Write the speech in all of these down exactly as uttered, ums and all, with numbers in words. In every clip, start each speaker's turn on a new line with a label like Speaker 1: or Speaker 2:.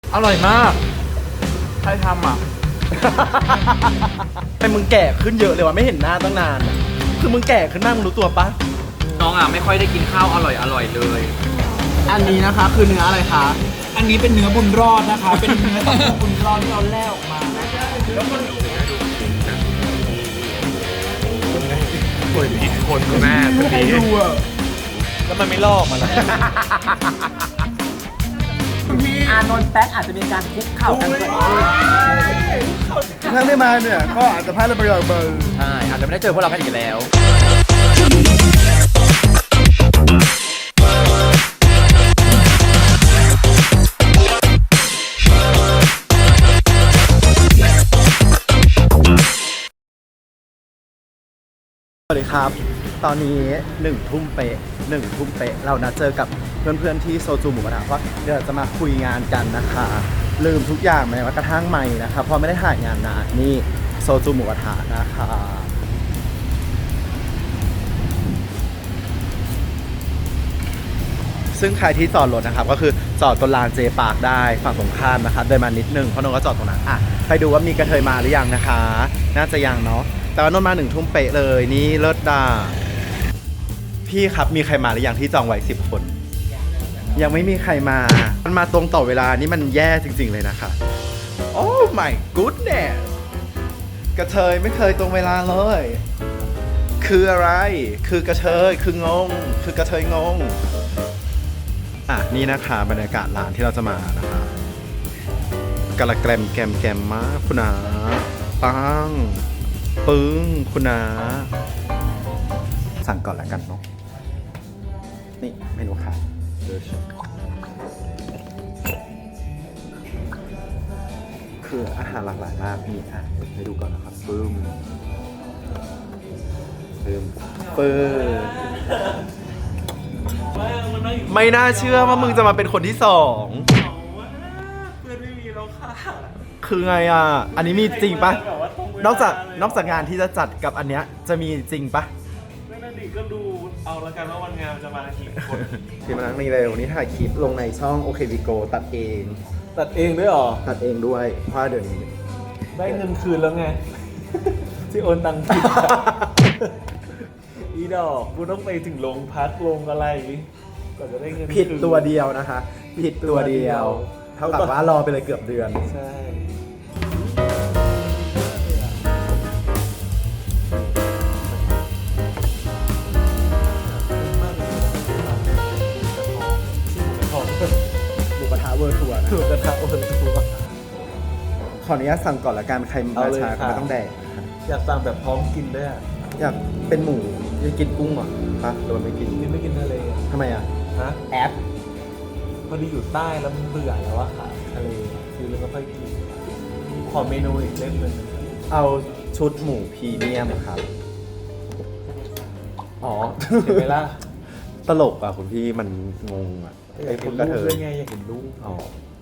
Speaker 1: อร่อยมากใครทำอ่ะ
Speaker 2: ไอ้มึงแก่ขึ้นเยอะเลยวะไม่เห็นหน้าตั้งนานอะคือมึงแก่ขึ้นมากมึงรู้ตัวปะ
Speaker 1: น้องอ่ะไม่ค่อยได้กินข้าวอร่อยอร่อยเลย
Speaker 2: อันนี้นะคะคือเนื้ออะไรคะ
Speaker 3: อันนี้เป็นเนื้อบุญรอดนะคะ เป็นเนื้อสะโพกบุญรอดที่เราแล่ออกมานะ
Speaker 1: คนผิดคนคุณแม่คนนี้
Speaker 2: แล้วมันไม่ลอกมาแล้ว
Speaker 3: อานนท์แป๊กอาจจะมีการคุกเข่ากันเกิดขึ้น
Speaker 2: ถ้าไม่มาเนี่ยก็อาจจะพลาดเรื่องประโยชน์เบอร์
Speaker 1: ใช่อาจจะไม่ได้เจอพวกเรากันอีกแล้ว
Speaker 2: สวัสดีครับ ตอนนี้หนึ่งทุ่มเป๊ะหนึ่งทุ่มเป๊ะเรานัดเจอกับเพื่อนๆที่โซจูหมูกระทะเพราะเดี๋ยวเราจะมาคุยงานกันนะคะ ลืมทุกอย่างแม้ว่ากระทั่งไมค์นะคะเพราะไม่ได้ถ่ายงานนานนี่โซจูหมูกระทะนะคะซึ่งใครที่จอดรถนะครับก็คือจอดตรงลานเจปาร์คได้ฝั่งตรงข้ามนะคะเดินมานิดนึงเพราะนนก็จอดตรงนั้นอ่ะไปดูว่ามีกระเทยมาหรือยังนะคะ น่าจะยังเนาะแต่ว่านนมาหนึ่งทุ่มเป๊ะเลยนี่เลิศดาพี่ครับมีใครมาหรือยังที่จองไว้สิบคน ยังไม่มีใครมา มันมาตรงต่อเวลานี่มันแย่จริงๆเลยนะคะ โอ้ my goodness กระเทยไม่เคยตรงเวลาเลย คืออะไร คือกระเทย คืองง คือกระเทยงง อ่ะ นี่นะคะบรรยากาศร้านที่เราจะมานะคะกระแกรมแกมแกมมากคุณนาปังปึ้งคุณนาสั่งก่อนแล้วกันเนาะ นี่เมนูค่ะคืออาหารหลากหลายมากมีอ่ะให้ดูก่อนนะครับปึ้มปึ้มปึ้มไม่น่าเชื่อว่ามึงจะมาเป็นคนที่สองเพื่อนไม่มีแล้วค่ะคือไงอ่ะอันนี้มีจริงปะนอกจากนอกจากงานที่จะจัดกับอันเนี้ยจะมีจริงปะ
Speaker 4: ไม่น่าดีก็ดูเอาละกันว่าวันงานจะมากี่คน
Speaker 2: ทีมานั่งนี่เลยวันนี้ถ่ายคลิปลงในช่องโอเควิโกตัดเอง
Speaker 4: ตัดเองด้วยหรอ
Speaker 2: ตัดเองด้วยเพราะเดี๋ยวนี้
Speaker 4: ได้เงินคืนแล้วไง ที่โอนตังค์ผิด อีดอกกูต้องไปถึงโรงพักโรงอะไรก่อนจะได้เงิน
Speaker 2: ผิดตัวเดียวนะคะผิดตัวเดียว เท่ากับว่ารอไปเลยเกือบเดือน
Speaker 4: ใช่
Speaker 2: หมูกระทะเวอร์ทัวร์นะ
Speaker 4: ถูกกระทะโอนตัว
Speaker 2: ขออนุญาตสั่งก่อนละกันใครมาช้าก็ไม่ต้องแดก
Speaker 4: อยากสั่งแบบพร้อมกินด้วยอ่ะ
Speaker 2: อยากเป็นหมูอยากกินกุ้งเหรอปะหรือว่าไม่กิน
Speaker 4: นี่ไม่กินทะเลอะ
Speaker 2: ทำไมอ่ะ
Speaker 4: ฮะ
Speaker 2: แอป
Speaker 4: พอดีอยู่ใต้แล้วมันเบื่อแล้วอะค่ะทะเลคือเลยไม่ค่อยกินขอเมนูอีกเล่มหนึ่ง
Speaker 2: เอาชุดหมูพรีเมียมครับอ๋อ
Speaker 4: เห็นไหมล่ะ
Speaker 2: ตลกอ่ะคุณพี่มันงงอ่ะ
Speaker 4: อยา
Speaker 2: ไอ้
Speaker 4: ก
Speaker 2: พ
Speaker 4: เห็
Speaker 2: วก
Speaker 4: น
Speaker 2: กระ
Speaker 4: รู
Speaker 2: เท
Speaker 4: ป
Speaker 2: ย
Speaker 4: ด้วยไงอยากเห็นรูป
Speaker 2: อ๋อ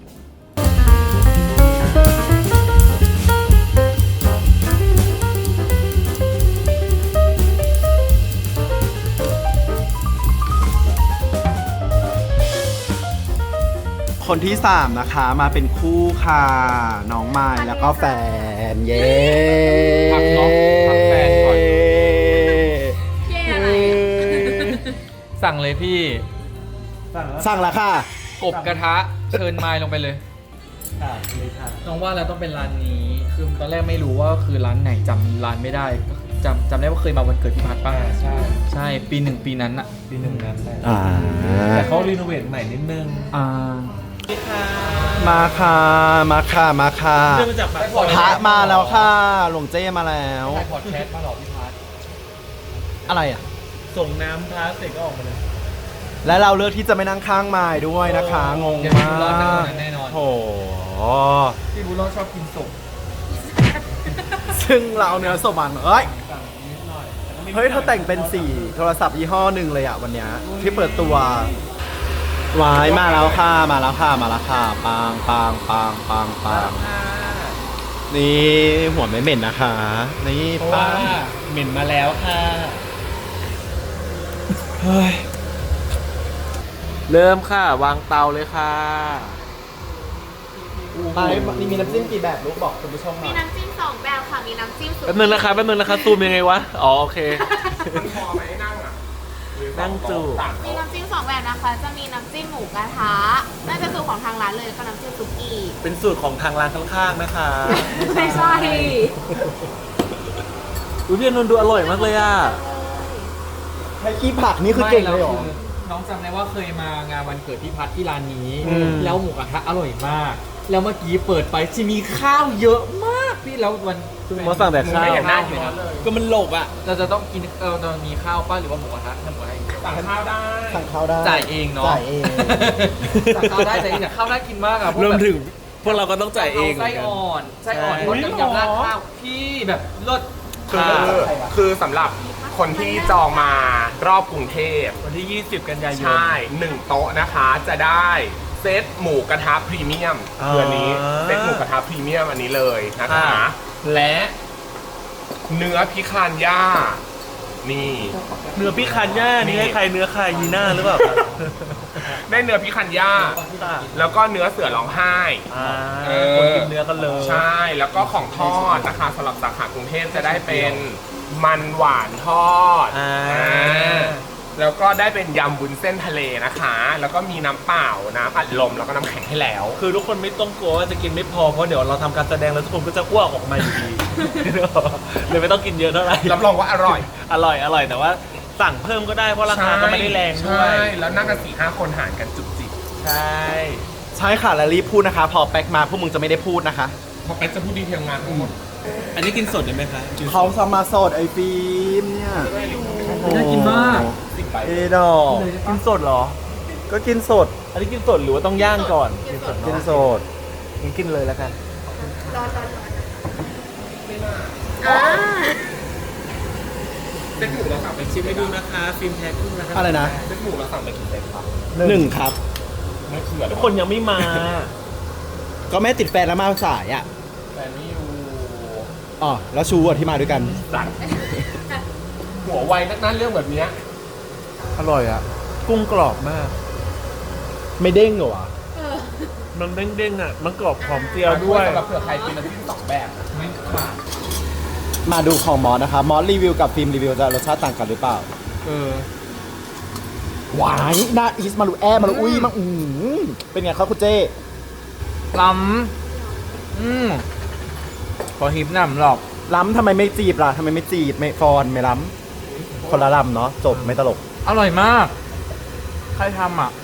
Speaker 2: คนที่สามนะคะมาเป็นคู่ค่ะ น้องไม้แล้วก็แฟน เย้
Speaker 1: พักเนาะพักแฟนก่อน
Speaker 5: เย้อะไร
Speaker 1: สั่งเลยพี่
Speaker 4: สั่งแล้ว
Speaker 2: สั่งแล้วค่ะ
Speaker 1: กบกระทะเชิญไม้ลงไปเลย
Speaker 4: ค่ะเลยค่ะ
Speaker 1: น้องว่าแล้วต้องเป็นร้านนี้ คือตอนแรกไม่รู้ว่าคือร้านไหนจำร้านไม่ได้จำจำได้ว่าเคยมาวันเกิดพี่พัดป้า
Speaker 4: ใช่
Speaker 1: ใช่ปีหนึ่งปีนั้นอะ
Speaker 4: ปีหนึ่งนั้นแหละ
Speaker 2: อ่า
Speaker 4: แต่เขารีโนเวทใหม่นิดนึง
Speaker 1: อ่า
Speaker 2: มาค่ะ มาค่ะ มาค่ะ
Speaker 4: เรื่องมาจากปากซอย
Speaker 2: พระมาแล้วค่ะ หลวงเจ้มาแล้ว
Speaker 1: ถ่ายพอดแคสต์มาหรอพี่พัด
Speaker 2: อะไรอ่ะ
Speaker 4: ส่งน้ำพาสเสร็จก็ออกมาเลย
Speaker 2: และเราเลือกที่จะไม่นั่งข้างไม้ด้วยนะคะ งง
Speaker 1: เดี๋ยว
Speaker 2: มา
Speaker 1: พี่บุญรอดนั่งตรง
Speaker 2: ก
Speaker 1: นั้นแน่นอน
Speaker 2: โอ้โห
Speaker 1: พี่บุญรอดชอบกินสุก
Speaker 2: ซึ่งเราเอาเนื้อสดมันเอ้ย เฮ้ยเธอแต่งเป็นสีโทรศัพท์ยี่ห้อหนึ่งเลยอ่ะวันเนี้ยที่เปิดตัววายมาแล้วค่ะ มาแล้วค่ะ มาแล้วค่ะปังปังปังปังปังนี่หัวไม่เหม็นนะคะ นี่
Speaker 4: เพราะ
Speaker 2: ปั
Speaker 4: ว่าง เหม็นมาแล้วค่ะ
Speaker 2: เฮ้ย
Speaker 4: เริ่มค่ะ วางเตาเลยค่ะ
Speaker 2: พไปนี่มีน้ำจิ้มกี่แบบลูกบอกคุณผู้ชมหน่
Speaker 5: มี
Speaker 2: อย
Speaker 5: น้ำจิ้มสองแบบค่ะ มีน้ำจิ้มสุ
Speaker 4: แป๊บนึงนะคะแป๊บนึงนะคะซูมยังไงวะ อ๋อโอเค
Speaker 6: พอไหมนั่งอ่ะ
Speaker 4: นั่งจู
Speaker 5: มีน้ำจิ้มสองแบบนะคะ จะมีน้ำจิ้มหมูกระทะน่าจะสูตรของทางร้านเลยแล้วก็น้ำจิ้มซุกี้
Speaker 4: เป็นสูตรของทางร้านข้างๆนะคะ
Speaker 5: ไม่ใช่
Speaker 4: อุ้ยพี่อนุนท์ดูอร่อยมากเลยอ่ะ
Speaker 2: ให้ขี้ผักนี่คือเก่งเลยเหรอ
Speaker 1: ไม่แวคือน้องจำได้ว่าเคยมางานวันเกิดพี่พัดที่ร้านนี้
Speaker 4: อืม
Speaker 1: แล้วหมูกระทะอร่อยมาก แล้วเมื่อกี้เปิดไปจะมีข้าวเยอะมากพี่แล้ววัน
Speaker 4: มาสั่งแต่ข้าว
Speaker 6: ไม่เห็นหน้าอยู่นะ
Speaker 4: ก็มันหลบอ่ะ
Speaker 1: เราจะต้องกินเออเรามีข้าวป้าหรือว่าหมูกระทะทำหมูกระทะอีก
Speaker 6: สั่งข้าวได้
Speaker 2: สั่งข้าวได้
Speaker 1: จ่ายเองเนาะ
Speaker 2: จ่ายเอง
Speaker 1: สั่งข้าวได้จ่ายเองแต่ข้าวน่ากินมากอะพวก
Speaker 4: รวม
Speaker 1: แบบ
Speaker 4: ถึงพวกเราก็ต้องจ่ายเองเหมื
Speaker 1: ไส้
Speaker 4: อนกัน
Speaker 1: อ่อนไส้อ่อน
Speaker 4: ใช่
Speaker 1: รสยำๆราดข้าวพี่แบบรส
Speaker 6: คือคือสำหรับคนที่จองมารอบกรุงเทพ
Speaker 4: วันที่ ยี่สิบ กันยายน
Speaker 6: ใช่หนึ่งโต๊ะนะคะจะได้เซตหมูกระทะพรีเมียม
Speaker 4: อ่า
Speaker 6: คืออันนี้เซตหมูกระทะพรีเมียมอันนี้เลยนะคะ
Speaker 4: อ่า
Speaker 6: และเนื้อพิคานย่านี่
Speaker 4: เนื้อพี่คันย่านี่ให้ใครเนื้อใครยีน่าหรือเปล่าครับ
Speaker 6: ได้เนื้อพิคันย่าแล้วก็เนื้อเสือร้องไห้
Speaker 4: อ่า
Speaker 6: เออ
Speaker 4: คนกินเนื้อกันเลย
Speaker 6: ใช่ แล้วก็ของทอดนะคะสำหรับสาขากรุงเทพจะได้เป็นมันหวานทอด
Speaker 4: อ่า
Speaker 6: อ่าแล้วก็ได้เป็นยำวุ้นเส้นทะเลนะคะ แล้วก็มีน้ำเปล่าน้ำอัดลมแล้วก็น้ำแข็งให้แล้ว
Speaker 4: คือทุกคนไม่ต้องกลัวว่าจะกินไม่พอ เพราะเดี๋ยวเราทำการแสดงแล้วทุกคนก็จะอ้วกออกมาอยู่ดี เลยไม่ต้องกินเยอะเท่าไหร่
Speaker 6: รับรองว่าอร่อย
Speaker 4: อร่อยอร่อยแต่ว่าสั่งเพิ่มก็ได้เพราะราคาก็ไม่ได้แรงด้วย
Speaker 6: ใช่ แล้วนั่งกันสี่ห้าคนหารกันจุกจิก
Speaker 4: ใช่
Speaker 2: ใช่ค่ะแล้วรีบพูดนะคะ พอแป๊กมาพวกมึงจะไม่ได้พูดนะคะ
Speaker 6: เพราะแป๊กจะพูดดีเทลงานทั้งหมด
Speaker 4: อันนี้กินสดได้ไหมคะ
Speaker 2: เขาสมาสดไอฟิล์มเนี่ย
Speaker 1: น่ากินมาก
Speaker 2: เอดอก
Speaker 4: กินสดเหรอ
Speaker 2: ก็กินสด
Speaker 4: อันนี้กินสดหรือว่าต้องย่างก่อน
Speaker 5: กินสด
Speaker 2: กินสด
Speaker 4: งั้นกินเลยแล้วกัน
Speaker 5: ร้อนร้อนร้อนอ่า
Speaker 6: เซตหมูเราสั่งไป
Speaker 4: ชิมให้ดูนะคะฟิล์มแพ็คขึ้นนะคะ
Speaker 2: อะไรนะ
Speaker 6: เซตหมูเราสั่งไปกี่เซตครับ
Speaker 2: หนึ่งครับ
Speaker 6: ไม่เผื่อ
Speaker 4: ทุกคนยังไม่มา
Speaker 2: ก็แม่ติดแฟนแล้วมาสายอ่ะ
Speaker 6: แต่นี่อยู่
Speaker 2: อ๋อแล้วชูอ่ะที่มาด้วยกัน
Speaker 6: สั่งหัวไวนักนั้นเรื่องแบบเนี้ย
Speaker 4: อร่อยอ่ะ กุ้งกรอบมาก
Speaker 2: ไม่เด้งเหรอวะ
Speaker 5: เออ
Speaker 4: มันเด้งๆอ่ะ มันกรอบหอมเจียวด้วย
Speaker 6: สำหรับเผื่อใครกินน้ำจิ้มสองแบบนะ
Speaker 1: ไม่ขาด
Speaker 2: มาดูของมอสนะคะมอสรีวิวกับฟิล์มรีวิวจะรสชาติต่างกันหรือเปล่า
Speaker 1: เออ
Speaker 2: หวายหน้าอีสมาลูแอมาลูอุ้ยมาอืมเป็นไงครับคุณเจ้
Speaker 1: ล้ำอืมพอฮิปหนำหรอก
Speaker 2: ล้ำทำไมไม่จีบล่ะทำไมไม่จีบไม่ฟอนไม่ล้ำคนละล้ำเนาะจบไม่ตลก
Speaker 1: อร่อยมาก ใครทำอ่ะ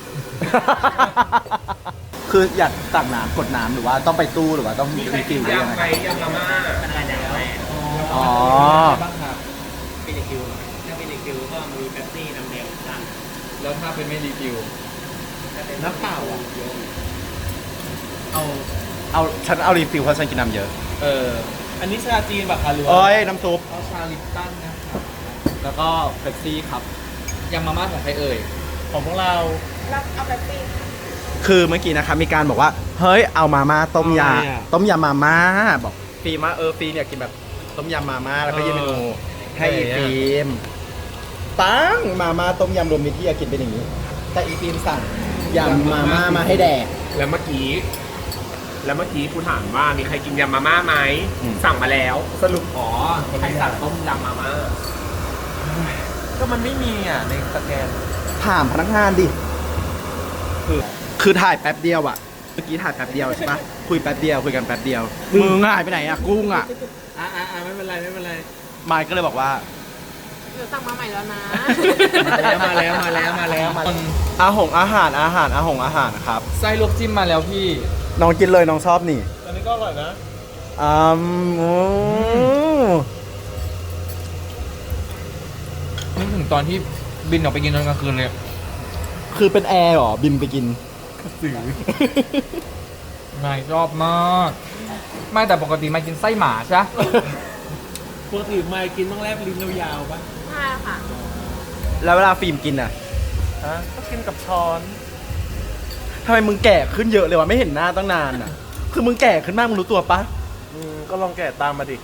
Speaker 2: คืออยากตักน้ำกดน้ำหรือว่าต้องไปตู้หรือว่าต้องมีฟิลหรือยัง
Speaker 6: ยำ
Speaker 2: ไง
Speaker 6: ไปยำมาม่า
Speaker 2: อ๋อ
Speaker 1: บ้างครับเป็นรีคิวถ้าเป็นรีคิวก็มีเป๊ปซี่น้ำเดียวแล้วถ้าเป็นไม่รีคิว
Speaker 2: น้ำเปล่าอ่ะเอาเอาฉันเอารีฟิลเพราะฉันกินน้ำเยอะ
Speaker 1: เออ
Speaker 4: อันนี้ชาจีนแบบคะหรือว่า
Speaker 2: เอ้ยน้ำซุป
Speaker 1: เอาชาลิปตันนะครับแล้วก็เป๊ปซี่ครับยำมาม่าของใครเอ่ย
Speaker 4: ของพวกเรา
Speaker 5: รับเอาแบบปี้
Speaker 2: คือเมื่อกี้นะคะมีการบอกว่าเฮ้ยเอามาม่าต้มย
Speaker 4: อะไรอ่ะ
Speaker 2: ำต้มยำมาม่าบอกฟิล์มว่าเออฟิล์มอยากกินแบบต้มยำมาม่าแล้วก็ยื่นเมนูให้อีฟิล์มตั้งมาม่าต้มยำรวมมิตรที่อยากกินเป็นอย่างนี้ แต่อีฟิล์มสั่งยำมาม่ามาให้แดก
Speaker 6: แล้วเมื่อกี้ แล้วเมื่อกี้กูถามว่ามีใครกินยำมาม่าไหม
Speaker 2: อืม
Speaker 6: สั่งมาแล้ว สรุปอ๋อใครสั่งต้มยำมาม่า
Speaker 4: ก็มันไม่มีอ่ะในสแกน
Speaker 2: ถามพนักงานดิคือคือถ่ายแป๊บเดียวอะเมื่อกี้ถ่ายแป๊บเดียวใช่ปะคุยแป๊บเดียวคุยกันแป๊บเดียวมึงหายไปไหนอะกุ้งอะ
Speaker 4: อ่าอ่าไม่เป็นไรไม่เป็นไร
Speaker 2: มายก็เลยบอกว่า
Speaker 5: เดี๋ยวสั่งมาใหม่แล้วนะ
Speaker 4: มาแล้วมาแล้วมาแล้วมาแล้วมาแล้ว
Speaker 2: อาหงอาหารอาหารอาหงอาหารครับ
Speaker 1: ไส้ลวกจิ้มมาแล้วพี่
Speaker 2: น้องกินเลยน้องชอบนี่
Speaker 4: อันนี้ก็อร่อยนะ
Speaker 2: อืมโอ้
Speaker 1: นึกถึงตอนที่บินออกไปกินตอนกลางคืนเลย
Speaker 2: คือเป็นแอร์เหรอบินไปกิน
Speaker 1: ไม่ชอบมาก ไม่แต่ปกติไม่กินไส้หมาใช่
Speaker 4: ปกติไม่กินต้องแลบลิ้นยาวๆปะ
Speaker 5: ใช่ค่ะ
Speaker 2: แล้วเวลาฟิล์มกินอะ
Speaker 4: ฮะก็กินกับช้อน
Speaker 2: ทำไมมึงแก่ขึ้นเยอะเลยวะไม่เห็นหน้าตั้งนานอะคือมึงแก่ขึ้นมากมึงรู้ตัวปะ
Speaker 4: อืมก็ลองแกะตามมาดิ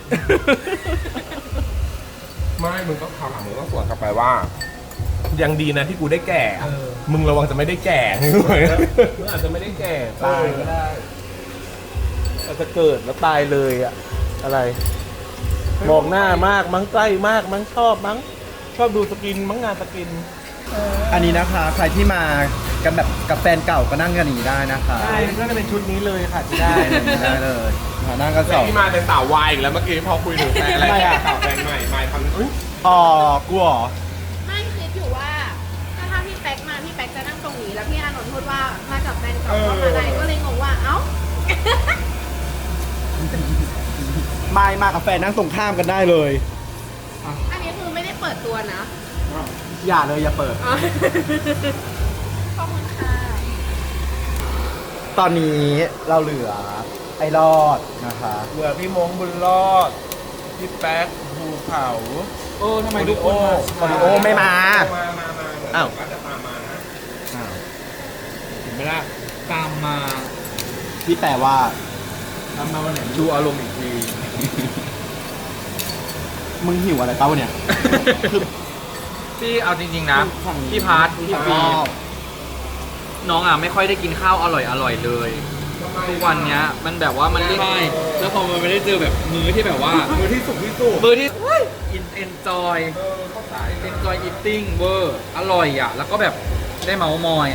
Speaker 6: ไม่ มึงต้องถามมึงต้องสวนกลับไปว่า ยังดีนะที่กูได้แก่ มึงระวังจะไม่ได้แก่
Speaker 4: มึงอาจจะไม่ได้แก่ตายก็ได้จะเกิดแล้วตายเลยอะอะไร มองหน้ามากมั้งใกล้มากมั้งชอบมั้งชอบดูสกินมั้งงานสกิน
Speaker 2: อันนี้นะคะใครที่มากันแบบกับแฟนเก่าก็นั่งกันอย่างนี้ได้นะคะ
Speaker 4: ใช่ก็จะเป็นชุดนี้เลยค่ะที่ได้
Speaker 2: ได้เลยมานั่งกันส
Speaker 6: แต่
Speaker 2: อง
Speaker 6: ที่มาเป็นสาววายอีกแล้วเมื่อกี้พอคุยถึงแฟนอะไร
Speaker 2: ทำไมอะ
Speaker 6: สาวแฟนใหม่ไม่ทำอุ๊ย
Speaker 2: อ๋อกลัวเหรอ
Speaker 5: ไม่คิดอยู่ว่าถ้าถ้าพี่แป๊กมาพี่แป๊กจะนั่งตรงนี้แล้วพี่อานนท์พูดว่ามากับแฟนเก่าก็มาได้ก็เลยงงว่าเอ้า
Speaker 2: ไม่มากับแฟนนั่งตรงข้ามกันได้เลย
Speaker 5: อันนี้คือไม่ได้เปิดตัวนะ
Speaker 2: อย่าเลยอย่าเปิด
Speaker 5: อ๋อขอบคุณค่ะ
Speaker 2: ตอนนี้เราเหลือไอ้รอดนะคะ
Speaker 4: เบื่อพี่มงบุญรอด พี่แป๊กภูเขา
Speaker 3: เออทำไมทุกคนมา
Speaker 2: โอริโอไม่มา
Speaker 6: มามามา
Speaker 2: อ้าว
Speaker 6: ก็จะตามมานะ
Speaker 3: เห็นไหมล่ะตามมา
Speaker 2: ที่แปลว่า
Speaker 3: ตามมาวันไหน
Speaker 1: ดูอารมณ์อีกที
Speaker 2: มึงหิวอะไรเปล่าวะเนี่ย
Speaker 1: พี่เอาจริงๆนะ พี่พาร์ทพี่ฟีน้องอ่ะไม่ค่อยได้กินข้าวอร่อยอร่อยๆเลย ทุกวันเนี้ยมันแบบว่ามันเรียก
Speaker 3: ใช่แล้วพอมันไม่ได้เจอแบบมื้อที่แบบว่า
Speaker 6: มือที่สุกที่สุด
Speaker 1: มือที่อินเอนจอยเอนจอยอีติ้งเวอร์อร่อยอ่ะ แล้วก็แบบได้เมาส์มอย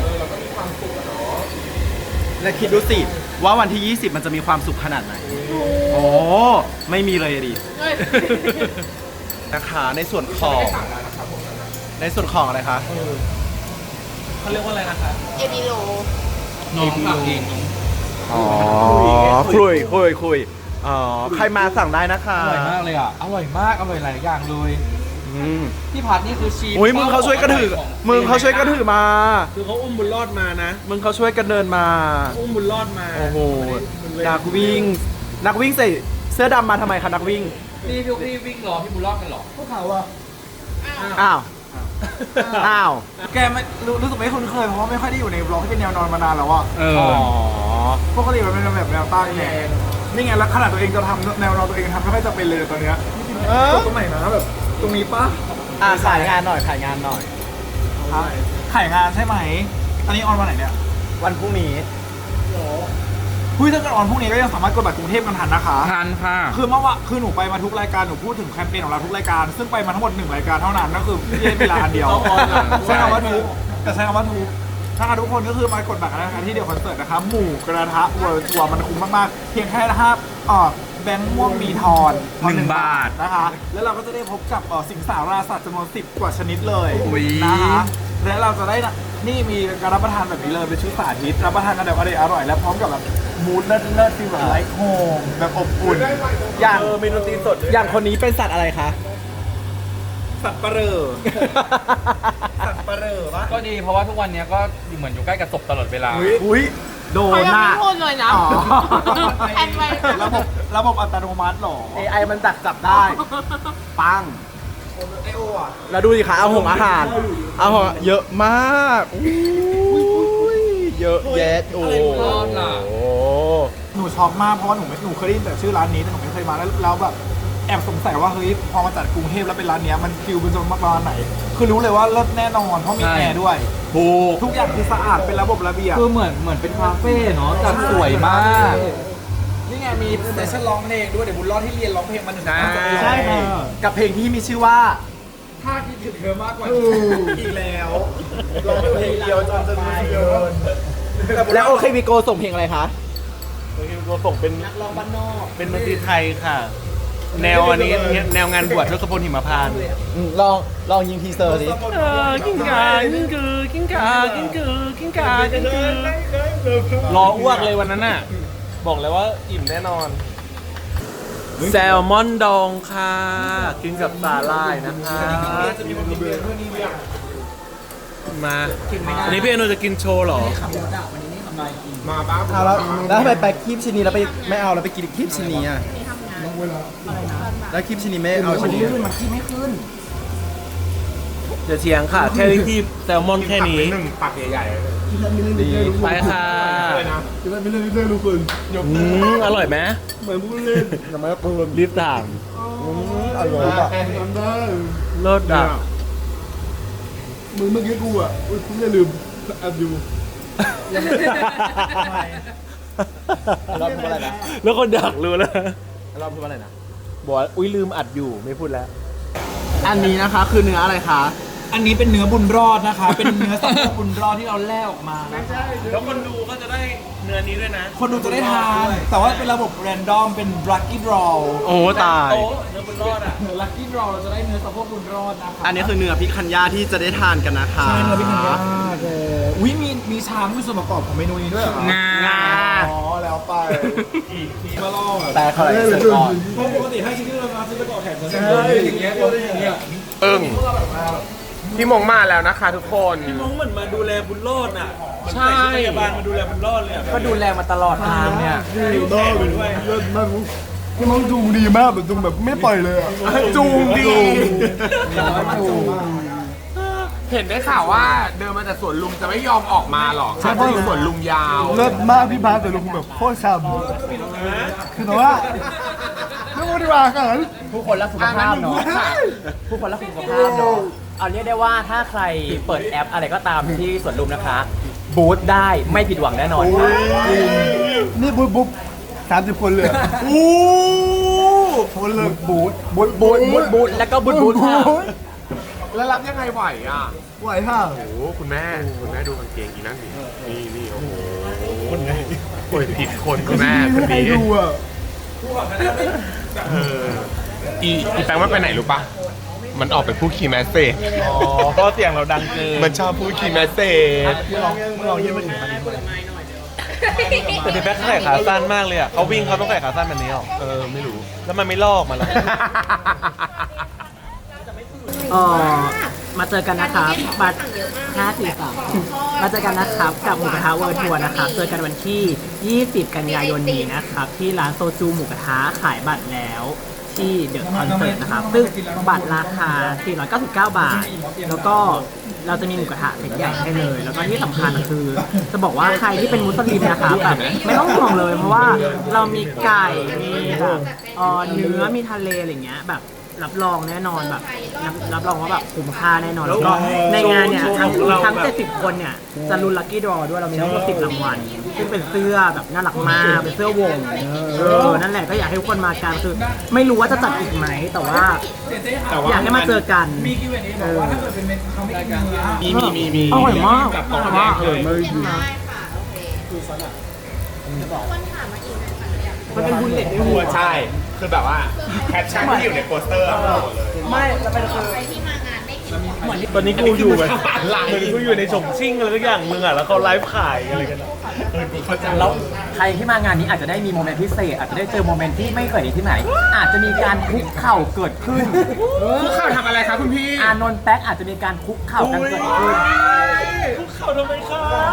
Speaker 2: และคิดดูสิว่าวันที่ ยี่สิบ มันจะมีความสุขขนาดไหน โอ้ไม่มีเลยอะดิ
Speaker 5: เฮ้ย
Speaker 2: นะคะในส่วนของในส่วนของอะไรคะ
Speaker 4: เขาเรียกว่าอะไรนะคะ
Speaker 5: เอบิโล
Speaker 3: น้องสั่งเอง
Speaker 2: อ๋อคุยคุยคุยอ๋อใครมาสั่งได้นะคะ
Speaker 3: อร่อยมากเลยอ่ะ อร่อยมาก อร่อยหลายอย่างเลย
Speaker 2: อืม
Speaker 3: พี่พัดนี่คือชีส
Speaker 2: อุ้ยมึงเขาช่วยกันถือมึงเขาช่วยกันถือมา
Speaker 4: คือเขาอุ้มบุญรอดมานะ
Speaker 2: มึงเขาช่วยกันเดินมา
Speaker 4: อุ้มบุญรอดมา
Speaker 2: โอ้โหนักวิ่ง นักวิ่งใส่เสื้อดำมาทำไมคะนักวิ่ง
Speaker 1: นี่พี่พี่วิ่งรอพี่บุญรอดกันเหรอ
Speaker 3: พวกเขาอะ
Speaker 2: อ้าว อ้าว
Speaker 3: แกไม่รู้รู้สึกไม่คุ้นเคยเพราะว่าไม่ค่อยได้อยู่ในบล็อกที่เป็นแนวนอนมานานแล้วอะ
Speaker 1: เอ
Speaker 2: อ๋อ
Speaker 3: ปกติมันเป็นแบบแนวตั้งไงนี่ไงแล้วขนาดตัวเองจะทำแนวนอนตัวเองทำไม่ค่อยจะเป็นเลยตอนเนี้ย
Speaker 2: เออ
Speaker 3: ตรงไหนนะแบบตรงนี้ปะ
Speaker 2: อ่ะขายงานหน่อยขายงานหน่อย
Speaker 3: ขายงานใช่ไหม อันนี้ออนวันไหนเนี่ย
Speaker 2: วันพรุ่งนี้
Speaker 3: คุยถ้าเกิดออนพรุ่งนี้ก็ยังสามารถกดบัตรกรุงเทพกันทันนะคะ
Speaker 1: ทานค่ะ
Speaker 3: คือเมื่อวานคือหนูไปมาทุกรายการหนูพูดถึงแคมเปญของเราทุกรายการ ซึ่งไปมาทั้งหมดหนึ่งรายการเท่านั้นก็คือพี่เล่นเวลาอันเดียวใช้คำว่าทุกแต่ใช้คำว่าทุกถ้าทุกคนก็คือมากดบัตรกันนะคะที่เดียวคอนเสิร์ตนะคะหมู่กระทะเวิร์ทัวร์มันคุ้มมากๆเพียงแค่นะครับอ่อแบงค์ม่วงมีทอน
Speaker 1: หนึ่งบาท
Speaker 3: นะคะ แล้วเราก็จะได้พบกับเอ่อสิงสาราสัตว์จำนวนสิบกว่าชนิดเลย
Speaker 1: อุ๊ย
Speaker 3: นะคะและเราจะได้นะนี่มีการรับประทานแบบนี้เลยเป็นชุดสาธิตรับประทานกันแบบอร่อยอร่อยและพร้อมกับแบบมูดเลิศเลิศฟีลแบบไลท์โฮมแบบอบอุ่น
Speaker 2: อย่าง
Speaker 4: เออมีดนตรีสดด้วย
Speaker 2: อย่างคนนี้เป็นสัตว์อะไรคะ
Speaker 3: สัตว์ประเรอสัตว์ประเรอวะ
Speaker 1: ก็ดีเพราะว่าทุกวันเนี้ยก็เหมือนอยู่ใกล้กับศพตลอดเวลา
Speaker 2: อุ้ยโด
Speaker 5: เขา
Speaker 2: น
Speaker 5: ยัง
Speaker 2: น่ะ
Speaker 5: ไม่พูดเลยนะ
Speaker 3: อ๋อ
Speaker 5: แทนไว้
Speaker 3: ระบบระบบอัตโนมัติเหรอ
Speaker 2: เอไอมันดักจับได้ ปัง
Speaker 3: ไอโออ่ะ
Speaker 2: แล้วดูสิคะเอาหงอาหาร เอาหงเยอะมากอุ้ยเยอะแยะโอ้
Speaker 1: รอดล่ะ
Speaker 2: โห
Speaker 3: หนูช็อกมากเพราะว่าหนูไม่หนูเคยได้ยินแต่ชื่อร้านนี้แต่หนูไม่เคยมาแล้วแล้วแบบแอบสงสัยว่าเฮ้ยพอมาจัดกรุงเทพแล้วเป็นร้านเนี้ยมันฟิลเป็นจนประมาณไหน คือรู้เลยว่าเลิศแน่นอนเพราะมี
Speaker 1: ใช่
Speaker 3: แอร์ด้วย
Speaker 2: ถูก
Speaker 3: ทุกอย่างคือสะอาดเป็นระบบระเบียบ
Speaker 1: คือเหมือนเหมือนเป็นคาเฟ่เนาะจัดสวยมาก
Speaker 3: นี่ไงมีเซสชั่นร้องเพลงด้วยเดี๋ยวบุญรอดที่เรียนร้องเพลงมาหนึ่ง
Speaker 1: ใช่
Speaker 2: ใช่ค่ะกับเพลงที่มีชื่อว่า
Speaker 3: ถ้าคิดถึงเธอมากกว่าอีกแล้วร้องเพลงเดียวจนจะมีเกิน
Speaker 2: แล้วโอเควิโกส่งเพลงอะไรคะ
Speaker 4: โอเคเราส่งเป็น
Speaker 3: นักร้องบ้านนอก
Speaker 4: เป็นดนตรีไทยค่ะ แนวอันนี้แนวงานบวชทศพลหิมพานต์
Speaker 2: อืมลองลองยิงทีเซอร์สิ
Speaker 4: เออกิ้งกากิ้งกือกิ้งกากิ้งกือกิ้งกากิ้งกือรออ้วกเลยวันนั้นน่ะ บอกเลยว่าอิ่มแน่นอน แซลมอนดองค่ะ กินกับสาหร่ายนะคะ
Speaker 3: จะมีคนกินเบียร์ด้วยนี่เนี่ย
Speaker 4: มาอันนี้พี่อนุจะกินโชว์เหรอ
Speaker 3: ขับรถอ่ะวันนี้นี่ทำไรกิน
Speaker 6: มาบ้า
Speaker 2: เอาแล้วแล้วทำไมไปคีบชิ้นนี้แล้วไปไม่เอาแล้วไปกินคีบชิ้นนี้อ่ะแล้วคีบชิ้นนี้ไม่เอาชิ้นนี้
Speaker 3: ขึ้นมันขี้ไม่ขึ้น
Speaker 4: เดี๋ยวเถียงค่ะ แค่ที่แซลมอนแค่นี้
Speaker 6: หนึ่งปักใหญ่ๆเลย
Speaker 2: ดี
Speaker 4: ไปค่ะ
Speaker 6: เลยนะ
Speaker 4: อืมอร่อยไหม
Speaker 3: เหมือนพูดเล่นแต่ไม่ปืน
Speaker 4: รีบถาม
Speaker 3: อร่อยอ่ะ
Speaker 4: เลิศอ่ะ
Speaker 3: มึงเมื่อกี้กูอ่ะอุ้ยกูอย่าลืมแอบดู
Speaker 2: เราพูดว่าอะไรนะ
Speaker 4: แล้วคนดักรู้แล้ว
Speaker 2: เราพูดว่าอะไรนะ
Speaker 4: บอกว่าอุ้ยลืมอัดอยู่ไม่พูดแล้ว
Speaker 2: อันนี้นะคะคือเนื้ออะไรคะ
Speaker 3: อันนี้เป็นเนื้อบุญรอดนะคะ เป็นเนื้อสะโพกบุญรอดที่เราแล่ออกมานะคะ
Speaker 4: แล้วคนดูก็จะได้เนื้อนี้ด้วยนะ
Speaker 3: คนดูจะได้ทาน แต่ว่าเป็นระบบแรนดอม เป็น lucky draw
Speaker 2: โอ้ตาย
Speaker 4: โต๊ะเนื้อบุญรอดอ่ะ
Speaker 3: lucky draw เราจะได้เนื้อสะโพกบุญรอดนะคะ
Speaker 2: อันนี้คือเนื้อพิคันย่าที่จะได้ทานกันนะคะ
Speaker 3: ใช่เนื้อพิคันย่าเอออุ้ยมีมีช้างมีส่วนประกอบของเมนูนี้ด้วยเหรอ
Speaker 1: งา
Speaker 3: อ๋อแล้วไปมาลอง
Speaker 2: แต่เขาเลยสุดก่อน
Speaker 3: เพราะปกติให้ชิ้นที่เรามาซื้อไปก่อนแถมจะได้อย่างเงี้ยอย่างเงี้ย
Speaker 6: อึ้งพี่มงมาแล้วนะคะทุกคน
Speaker 4: น้องเหมือนมาดูแลบุญรอดอ่ะ
Speaker 6: ใช่
Speaker 4: พยาบาลมาดูแลบุญรอดเลยอะ
Speaker 1: ก็ดูแลมาตลอดทางเนี่ย
Speaker 3: ดีมากเลยเลิศมากพี่มังจูงดีมากแบบจูงแบบไม่ปล่อยเลยอ่ะ
Speaker 6: จูงดี
Speaker 3: จูง
Speaker 6: เห็นได้ข่าวว่าเดินมาจากสวนลุมจะไม่ยอมออกมาหรอกถ้าอยู่สวนลุมยาว
Speaker 3: เลิศมากพี่บาสแต่ลุงแบบโคตรช้ำคือแต่ว่าไม่พูดดีกว่าค่ะ
Speaker 1: ผู้คนรักสุขภาพเนาะผู้คนรักสุขภาพเนาะเอาเรียกได้ว่าถ้าใครเปิดแอปอะไรก็ตามที่สวนลุมนะคะ บูธได้ไม่ผิดหวังแน่นอนค่ะ
Speaker 3: นี่บุ๊บบุ๊บสามสิบคนเลยโอ้คนเลยบูทบูท
Speaker 1: บูธบูธบูธแล้วก็บูธบูธค่ะ
Speaker 6: แล้วรับยังไงไหวอ่ะ
Speaker 3: ไหวค่ะ
Speaker 6: โอ้โหคุณแม่คุณแม่ดูกางเกงอีนั่นดินี่นี่โอ้โหคนไหนโอ้ยผิดคนคุณแม่คน
Speaker 3: ใคร
Speaker 6: นี้
Speaker 3: ดูอ่ะ
Speaker 6: เอออีอีแปงมันไปไหนรู้ปะมันออกไปพูดคีย์แมสเซจ
Speaker 4: อ๋อเพราะเสียงเราดังเกิน
Speaker 6: มันชอบพูดคีย์แมสเซจ
Speaker 3: ลองยืนมาถึง
Speaker 4: แต่พี่แบ๊กใส่ขาสั้นมากเลยอ่ะเขาวิ่งเขาต้องใส่ขาสั้นแบบนี้หรอ
Speaker 6: เออไม่รู้
Speaker 4: แล้วมันไม่ลอกมาแล้ว
Speaker 7: เอ่อมาเจอกันนะครับบัตรห้าสี่สามมาเจอกันนะครับกับหมูกระทะเวิร์ทัวร์นะครับเจอกันวันที่ ยี่สิบ กันยายนนี้นะครับที่ร้านโซจูหมูกระทะขายบัตรแล้วที่เดอะคอนเสิร์ตนะครับซึ่งบัตรราคา สี่ร้อยเก้าสิบเก้า บาท แล้วก็เราจะมีหมูกระทะเซ็ตใหญ่ให้เลย แล้วก็ที่สำคัญคือ จะบอกว่าใครที่เป็นมุสลิมนะครับแบบไม่ต้องห่วงเลย เพราะว่าเรามีไก่มีแบบเอ่อเนื้อมีทะเลอะไรเงี้ยแบบรับรองแน่นอนแบบรับรับรองว่าแบบคุ้มค่าแน่นอนแล้วก็ในงานเนี่ยทั้งทั้งเจ็ดสิบคนเนี่ยจะลุ้นลัคกี้ดรอด้วยเรามีทั้งหมดสิบรางวัลซึ่งเป็นเสื้อแบบน่ารักมากเป็นเสื้อวงเออนั่นแหละก็อยากให้ทุกคนมากันคือไม่รู้ว่าจะจัดอีกไหมแต่ว่าอยากให้มาเจอกัน
Speaker 3: มีกิวเอ็นเอบอกว่าถ้าเกิดเป็นเมนเขาไม่กินเนื้อ
Speaker 6: มีมีมีมี
Speaker 7: อร่อยมาก
Speaker 6: กับของแดงเลย
Speaker 5: ได้ค่ะโอเคคนถามมาอีกนะค่ะอยาก
Speaker 7: มันเป็นบุลเลตด้วยหัว
Speaker 6: ใช่ คือแบบว่าแคปชั่นที่อยู่ในโปสเตอร์อะหมดเลย
Speaker 7: ไม่แล้วเป็นคือ
Speaker 5: ใครที่มางานไม่กิน
Speaker 7: เหมือน
Speaker 4: ตอนนี้กูอยู่แบบเหมือนกูอยู่ในฉงชิ่งอะไรทุกอย่างมึงอ่ะแล้วเขาไลฟ์ขายอะไรกันอะ
Speaker 1: แล้วใครที่มางานนี้อาจจะได้มีโมเมนต์พิเศษอาจจะได้เจอโมเมนต์ที่ไม่เคยเห็นที่ไหน อาจจะมีการคุกเข่าเกิดขึ้น
Speaker 6: คุกเข่าทำอะไรครับคุณพี่
Speaker 1: อานนท์แป๊กอาจจะมีการคุกเข่ากันเกิดขึ้น
Speaker 4: คุกเข่าทำไมครับ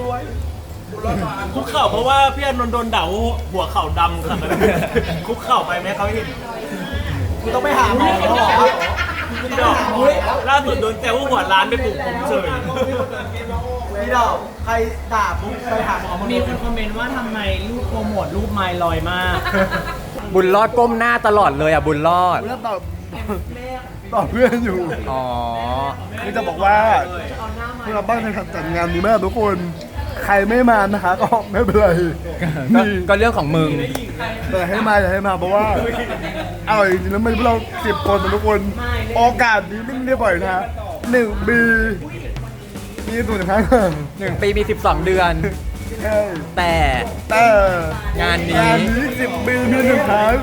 Speaker 4: คุกเข่าเพราะว่าพี่อานนท์โดนด่าว่าหัวเข่าดำขนาดนั้นคุกเข่าไปไหมเขาเห็น
Speaker 7: กูต้องไปหาหมอแล้วเหรอ
Speaker 4: พี่ดอกล่าสุดโดนแซวว่าหัวร้านไปปลูกผมเฉย
Speaker 7: พี่ดอกใครด่าปุ๊บไปหาหมอมีคนคอมเมนต์ว่าทำไมรูปโปรโมทรูปไมล์ลอยมาก
Speaker 1: บุญรอดก้มหน้าตลอดเลยอ่ะบุญรอด
Speaker 3: แล้วตอบตอบเพื่อนอยู่
Speaker 1: อ๋อ
Speaker 3: คือจะบอกว่าพวกเราบ้านในจัดงานดีมากทุกคน ใครไม่มานะคะก็ไม่เป็นไร
Speaker 1: ก็
Speaker 3: มี
Speaker 1: ก็เรื่องของมึง
Speaker 3: แต่ให้มาอย่าให้มาเพราะว่าอร่อยจริงๆแล้วมันพวกเราสิบคนนะทุกคนโอกาสนี้ไม่ได้บ่อยนะหนึ่งปีมีตัวหนึ่งครั้ง
Speaker 1: หนึ่งปีมีสิบสองเดือน
Speaker 3: ใช่
Speaker 1: แต่
Speaker 3: แต่
Speaker 1: งานนี้
Speaker 3: งานนี้สิบปีมีหนึ่งครั้ง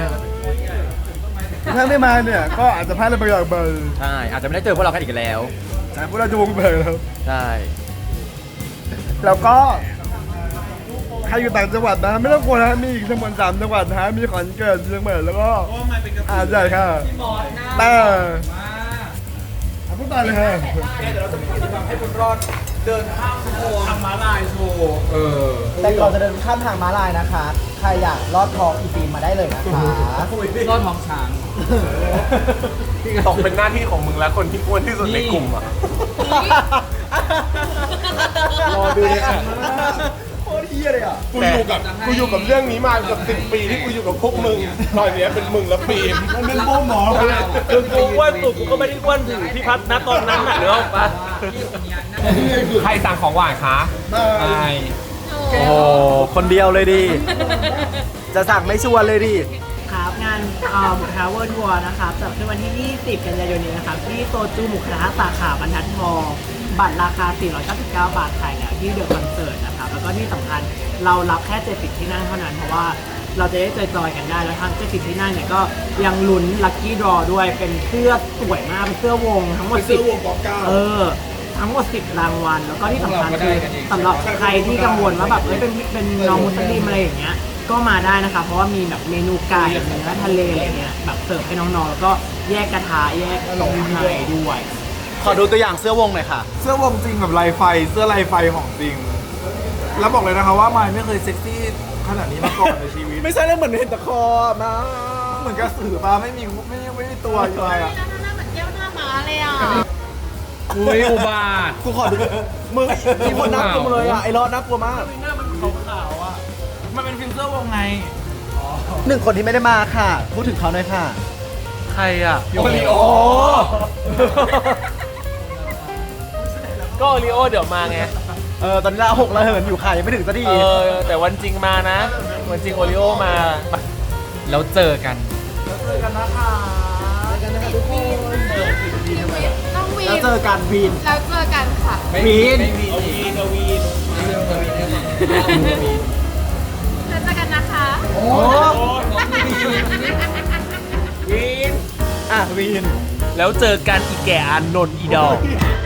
Speaker 3: ถ้าไม่มาเนี่ยก็อาจจะพลาดอะไรบางอย่างไป
Speaker 1: ใช่อาจจะไม่ได้เจอพวกเรากันอีกแล้ว
Speaker 3: แต่พวกเราจะวงไปแล้ว
Speaker 1: ใช่
Speaker 3: แล้วก็ใครอยู่ต่างจังหวัดนะไม่ต้องกลัวนะมีอีกทั้งหมดสามจังหวัดนะมีขอนแก่นเชียงใหม่แล้วก็หาดใหญ่ค่ะแต่พูดต่อเลยค่ะ
Speaker 4: ทำม้าลายโชว์
Speaker 7: แต่ก่อนจะเดินข้ามทางม้าลายนะคะ ใครอยากลอดท้องอีฟิล์มมาได้เลยนะคะ
Speaker 1: รอดท้องช้าง
Speaker 6: ตกเป็นหน้าที่ของมึงแล้วคนที่อ้วนที่สุดในกลุ่มอ่ะ
Speaker 3: รอดูเลยค่ะโคตรเฮี้ยเลยอ่ะ
Speaker 6: กูอยู่กับกูอยู่กับเรื่องนี้มาเกือบสิบปีที่กูอยู่กับพวกมึงตอนเนี้ยเป็นมึงและฟิล์ม
Speaker 3: มันเป็นโบ้หมอไปเลย
Speaker 4: คือกูอ้วนสุดกูก็ไม่ได้อ้วนถึงพี่พัฒน์นะตอนนั้นน่ะเนื้อออกปะ
Speaker 6: ใครสั่งของหวานคะ
Speaker 3: ได้
Speaker 1: ใช่
Speaker 5: หนู
Speaker 2: โอ้โหคนเดียวเลยดิ จะสั่งไม่ชวนเลยดิ
Speaker 7: ครับงานเอ่อหมูกระทะเวิร์ทัวร์นะครับจัดขึ้นวันที่ ยี่สิบ กันยายนนี้นะครับที่โซจูหมูกระทะสาขาบรรทัดทองบัตรราคา สี่ร้อยเก้าสิบเก้า บาทขายแล้วที่เดอะคอนเสิร์ตนะครับแล้วก็ที่สำคัญเรารับแค่เจ็ดสิบที่นั่งเท่านั้นเพราะว่าเราจะได้จอยๆกันได้แล้วทั้งเจ็ดสิบที่นั่งเนี่ยก็ยังลุ้นลัคกี้ดรอด้วยเป็นเสื้อสวยมากเป็นเสื้อวงทั้งหมดสิบเออทั้งหมดสิบรางวัลแล้วก็ที่สำคัญคือสำหรับใครที่กังวลว่าแบบเอ้ยเป็นเป็นน้องมุสลิมอะไรอย่างเงี้ยก็มาได้นะคะเพราะว่ามีแบบเมนูไก่เนื้อทะเลอะไรเงี้ยแบบเสิร์ฟให้น้องๆแล้วก็แยกกระทะแยกตรงไทยด้วย
Speaker 2: ขอดูตัวอย่างเสื้อวงหน่อยค่ะ
Speaker 3: เสื้อวงจริงแบบลายไฟเสื้อลายไฟของจริง แล้วบอกเลยนะคะว่าไมายไม่เคยเซ็กซี่ขนาดนี้มาก่อนในชีวิต
Speaker 2: ไม่ใช่แล้วเหมือนเห็นตะคอมา
Speaker 3: เหมือนกระสือปลาไม่มีไม่ไม่มีตัวอยู่เลยอ่ะ
Speaker 5: หน้าเหมือนแก้วหน้าม้าเลยอ่ะ
Speaker 1: อุ้ยอุบาท
Speaker 2: กูขอดูมึงมีคนน่ากลัวเลยอ่ะไอ้รอดน่ากลัวมาก
Speaker 3: หน้ามันขาวๆอ่ะมันเป็นฟิลเสื้อวงไง
Speaker 2: หนึ่งคนที่ไม่ได้มาค่ะ พูดถึงเขาหน่อยค่ะ
Speaker 1: ใครอ่ะ
Speaker 3: โอริโอ
Speaker 4: ก็โอริโอเดี๋ยวมาไง
Speaker 2: เออตอนนี้เราหกระเหินอยู่ค่ะยังไม่ถึงสักที
Speaker 4: เออ แต่วันจริงมานะ วันจริงโอริโอมา
Speaker 1: แล้วเจอกัน
Speaker 3: เจอกันนะคะ
Speaker 5: ต้องวี
Speaker 2: แล้ว
Speaker 5: น
Speaker 2: เจอกันวีน
Speaker 5: แล้วเจอกันค่ะ
Speaker 2: วีน
Speaker 5: แล้วเจอกันนะคะ
Speaker 2: โอ้วีนอ่ะวีน
Speaker 4: แล้วเจอกันอีแก่อานนท์อีดอก